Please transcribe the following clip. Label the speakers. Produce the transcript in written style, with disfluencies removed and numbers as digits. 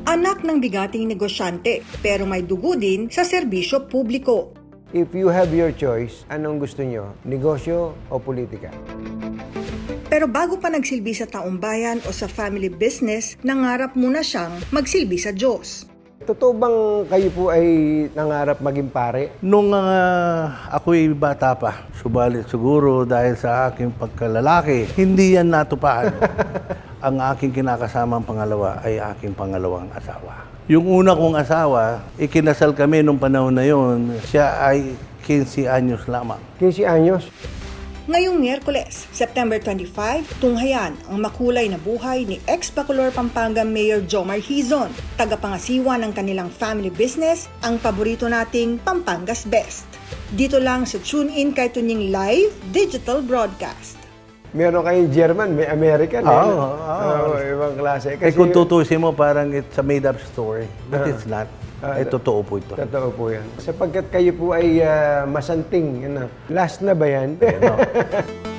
Speaker 1: Anak ng bigating negosyante, pero may dugo din sa serbisyo publiko.
Speaker 2: If you have your choice, anong gusto nyo? Negosyo o politika?
Speaker 1: Pero bago pa nagsilbi sa taumbayan o sa family business, nangarap muna siyang magsilbi sa Diyos.
Speaker 2: Totoo bang kayo po ay nangarap maging pare?
Speaker 3: Nung ako'y bata pa, subalit siguro dahil sa aking pagkalalaki, hindi yan natupad. Ang aking kinakasamang pangalawa ay aking pangalawang asawa. Yung una kong asawa, ikinasal kami nung panahon na yun, siya ay 15 anyos lamang.
Speaker 2: 15 anyos?
Speaker 1: Ngayong Miyerkules, September 25, tunghayan ang makulay na buhay ni ex-Bacolor, Pampanga Mayor Jomar Hizon, tagapangasiwa ng kanilang family business, ang paborito nating Pampanga's Best. Dito lang sa TuneIn kay Tunying Live Digital Broadcast.
Speaker 2: Meron kayong German, may American.
Speaker 3: Oo.
Speaker 2: Ibang klase.
Speaker 3: Kung tutusin mo, parang it's a made-up story. But it's not. Totoo po ito.
Speaker 2: Totoo po yan. Sapagkat kayo po ay masanting. Last na ba yan?